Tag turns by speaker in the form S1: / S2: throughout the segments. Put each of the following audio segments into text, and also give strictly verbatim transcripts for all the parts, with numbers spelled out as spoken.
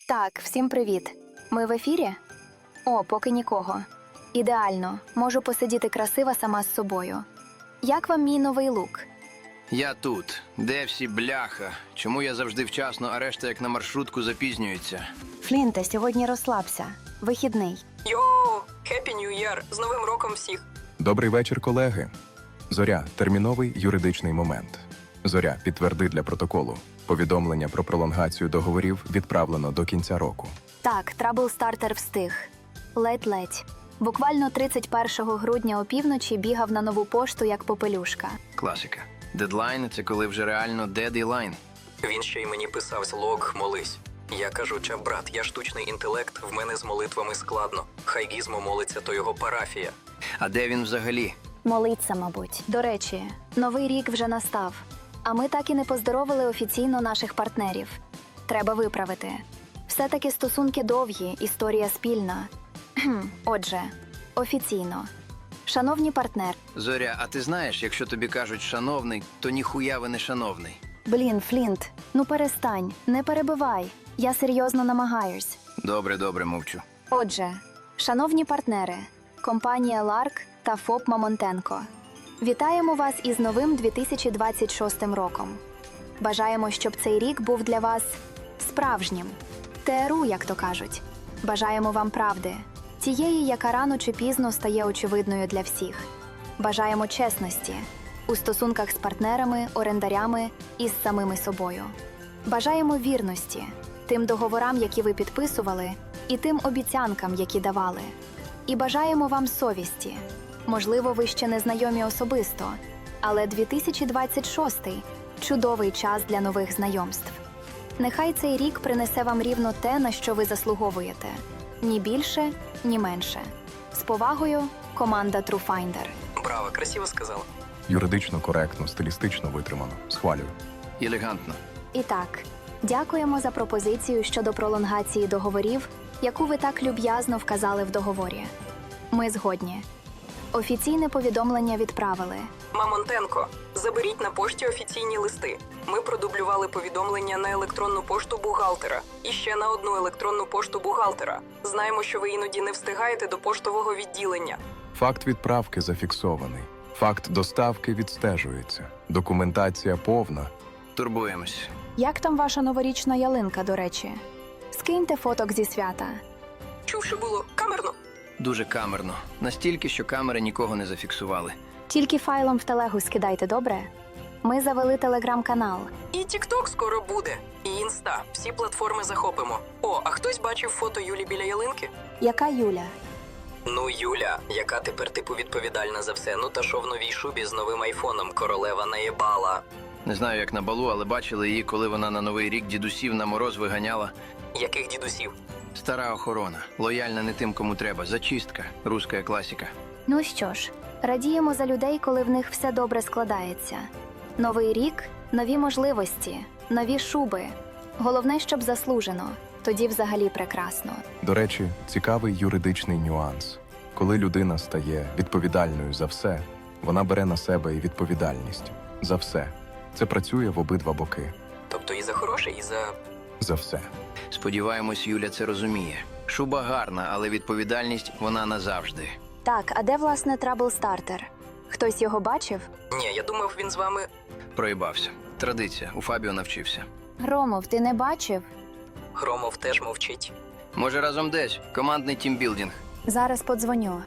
S1: Так, всім привіт. Ми в ефірі? О, поки нікого. Ідеально. Можу посидіти красива сама з собою. Як вам мій новий лук?
S2: Я тут. Де всі бляха? Чому я завжди вчасно, а решта як на маршрутку запізнюється?
S1: Флінте, сьогодні розслабся. Вихідний.
S3: Йоу! Хеппі Нью Єр! З Новим роком всіх!
S4: Добрий вечір, колеги. Зоря – терміновий юридичний момент. Зоря, підтверди для протоколу. Повідомлення про пролонгацію договорів відправлено до кінця року.
S1: Так, Траблстартер встиг. Ледь-ледь. Буквально тридцять першого грудня опівночі бігав на нову пошту як попелюшка.
S2: Класика. Дедлайн – це коли вже реально дедлайн.
S3: Він ще й мені писав злог «Молись». Я кажу, чав, брат, я штучний інтелект, в мене з молитвами складно. Хай Гізмо молиться, то його парафія.
S2: А де він взагалі?
S1: Молиться, мабуть. До речі, новий рік вже настав. А ми так і не поздоровили офіційно наших партнерів. Треба виправити. Все-таки стосунки довгі, історія спільна. Кхм, Отже, офіційно. Шановні партнер.
S2: Зоря, а ти знаєш, якщо тобі кажуть «шановний», то ніхуя ви не шановний.
S1: Блін, Флінт, ну перестань, не перебивай. Я серйозно намагаюсь.
S2: Добре, добре, мовчу.
S1: Отже, шановні партнери, компанія Ларк та ФОП Мамонтенко. Вітаємо вас із новим дві тисячі двадцять шостим роком. Бажаємо, щоб цей рік був для вас справжнім. ТРУ, як то кажуть. Бажаємо вам правди. Тієї, яка рано чи пізно стає очевидною для всіх. Бажаємо чесності у стосунках з партнерами, орендарями і з самими собою. Бажаємо вірності тим договорам, які ви підписували, і тим обіцянкам, які давали. І бажаємо вам совісті. Можливо, ви ще не знайомі особисто, але дві тисячі двадцять шостий – чудовий час для нових знайомств. Нехай цей рік принесе вам рівно те, на що ви заслуговуєте. Ні більше, ні менше. З повагою, команда TrueFinder.
S3: Браво, красиво сказала.
S4: Юридично коректно, стилістично витримано. Схвалюю.
S2: Елегантно.
S1: І так, дякуємо за пропозицію щодо пролонгації договорів, яку ви так люб'язно вказали в договорі. Ми згодні. Офіційне повідомлення відправили.
S3: Мамонтенко, заберіть на пошті офіційні листи. Ми продублювали повідомлення на електронну пошту бухгалтера і ще на одну електронну пошту бухгалтера. Знаємо, що ви іноді не встигаєте до поштового відділення.
S4: Факт відправки зафіксований. Факт доставки відстежується. Документація повна.
S2: Турбуємось.
S1: Як там ваша новорічна ялинка, до речі? Скиньте фоток зі свята.
S3: Чув, що було камерно?
S2: Дуже камерно. Настільки, що камери нікого не зафіксували.
S1: Тільки файлом в телегу скидайте, добре? Ми завели телеграм-канал.
S3: І Тік-Ток скоро буде. І Інста. Всі платформи захопимо. О, а хтось бачив фото Юлі біля ялинки?
S1: Яка Юля?
S3: Ну, Юля, яка тепер типу відповідальна за все. Ну та що в новій шубі з новим айфоном королева наєбала.
S2: Не знаю, як на балу, але бачили її, коли вона на Новий рік дідусів на мороз виганяла.
S3: Яких дідусів?
S2: Стара охорона. Лояльна не тим, кому треба. Зачистка. Руська класика.
S1: Ну що ж, радіємо за людей, коли в них все добре складається. Новий рік, нові можливості, нові шуби. Головне, щоб заслужено. Тоді взагалі прекрасно.
S4: До речі, цікавий юридичний нюанс. Коли людина стає відповідальною за все, вона бере на себе і відповідальність. За все. Це працює в обидва боки.
S3: Тобто і за хороше, і за...
S4: За все.
S2: Сподіваємось, Юля це розуміє. Шуба гарна, але відповідальність вона назавжди.
S1: Так, а де, власне, Траблстартер? Хтось його бачив?
S3: Ні, я думав, він з вами...
S2: Проїбався. Традиція. У Фабіо навчився.
S1: Громов, ти не бачив?
S3: Громов теж мовчить.
S2: Може, разом десь? Командний тімбілдинг.
S1: Зараз подзвоню.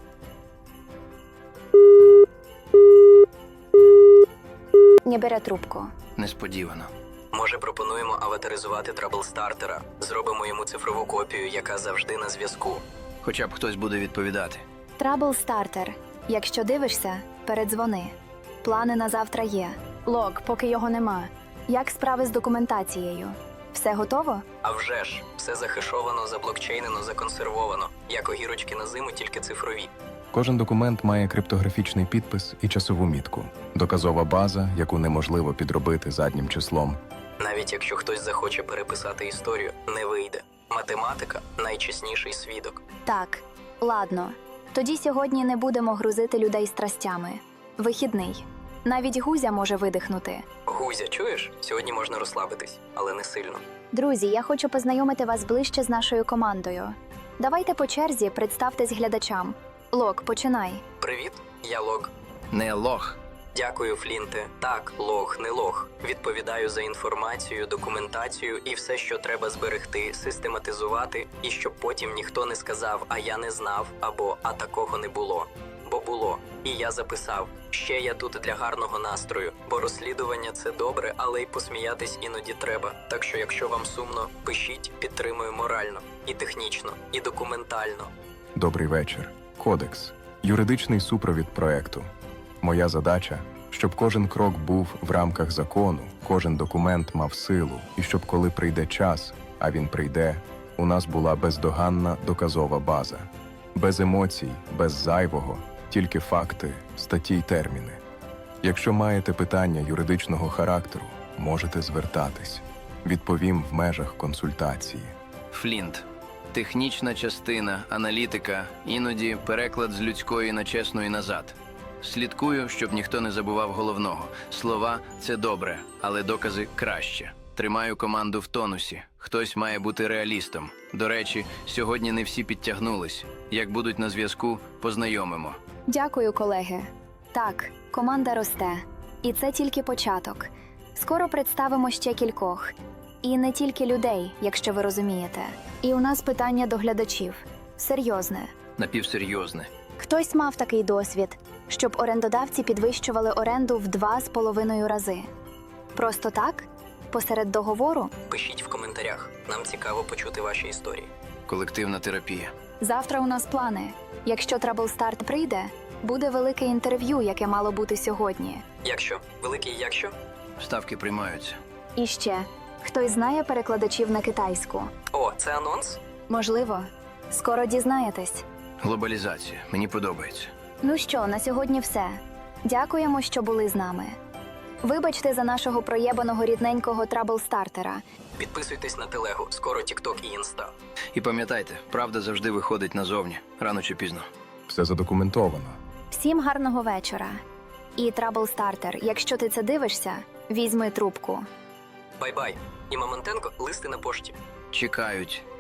S1: Не бере трубку.
S2: Несподівано.
S3: Може, пропонуємо аватаризувати Траблстартера. Зробимо йому цифрову копію, яка завжди на зв'язку.
S2: Хоча б хтось буде відповідати.
S1: Траблстартер. Якщо дивишся, передзвони. Плани на завтра є. Лог, поки його нема. Як справи з документацією? Все готово?
S3: А вже ж, все захешовано, заблокчейнено, законсервовано. Як огірочки на зиму, тільки цифрові.
S4: Кожен документ має криптографічний підпис і часову мітку. Доказова база, яку неможливо підробити заднім числом.
S3: Навіть якщо хтось захоче переписати історію, не вийде. Математика – найчесніший свідок.
S1: Так, ладно. Тоді сьогодні не будемо грузити людей страстями. Вихідний. Навіть Гузя може видихнути.
S3: Гузя, чуєш? Сьогодні можна розслабитись, але не сильно.
S1: Друзі, я хочу познайомити вас ближче з нашою командою. Давайте по черзі представтесь глядачам. Лок, починай.
S3: Привіт, я Лог.
S2: Не лох.
S3: Дякую, Флінте. Так, лог, не лог. Відповідаю за інформацію, документацію і все, що треба зберегти, систематизувати, і щоб потім ніхто не сказав, а я не знав, або а такого не було. Бо було. І я записав. Ще я тут для гарного настрою, бо розслідування – це добре, але й посміятись іноді треба. Так що, якщо вам сумно, пишіть, підтримую морально, і технічно, і документально.
S4: Добрий вечір. Кодекс. Юридичний супровід проекту. Моя задача – щоб кожен крок був в рамках закону, кожен документ мав силу, і щоб коли прийде час, а він прийде, у нас була бездоганна доказова база. Без емоцій, без зайвого, тільки факти, статті й терміни. Якщо маєте питання юридичного характеру, можете звертатись. Відповім в межах консультації.
S2: Флінт. Технічна частина, аналітика, іноді переклад з людської на чесну і назад. Слідкую, щоб ніхто не забував головного. Слова – це добре, але докази – краще. Тримаю команду в тонусі. Хтось має бути реалістом. До речі, сьогодні не всі підтягнулись. Як будуть на зв'язку, познайомимо.
S1: Дякую, колеги. Так, команда росте. І це тільки початок. Скоро представимо ще кількох. І не тільки людей, якщо ви розумієте. І у нас питання до глядачів. Серйозне.
S2: Напівсерйозне.
S1: Хтось мав такий досвід, щоб орендодавці підвищували оренду в два з половиною рази. Просто так? Посеред договору?
S3: Пишіть в коментарях. Нам цікаво почути ваші історії.
S2: Колективна терапія.
S1: Завтра у нас плани. Якщо Траблстарт прийде, буде велике інтерв'ю, яке мало бути сьогодні.
S3: Якщо? Великий якщо?
S2: Ставки приймаються.
S1: І ще, хтось знає перекладачів на китайську?
S3: О, це анонс?
S1: Можливо. Скоро дізнаєтесь.
S2: Глобалізація. Мені подобається.
S1: Ну що, на сьогодні все. Дякуємо, що були з нами. Вибачте за нашого проєбаного рідненького траблстартера.
S3: Підписуйтесь на телегу, скоро Тікток і Інста.
S2: І пам'ятайте, правда завжди виходить назовні, рано чи пізно.
S4: Все задокументовано.
S1: Всім гарного вечора. І траблстартер, якщо ти це дивишся, візьми трубку.
S3: Бай-бай. І Мамонтенко, листи на пошті.
S2: Чекають.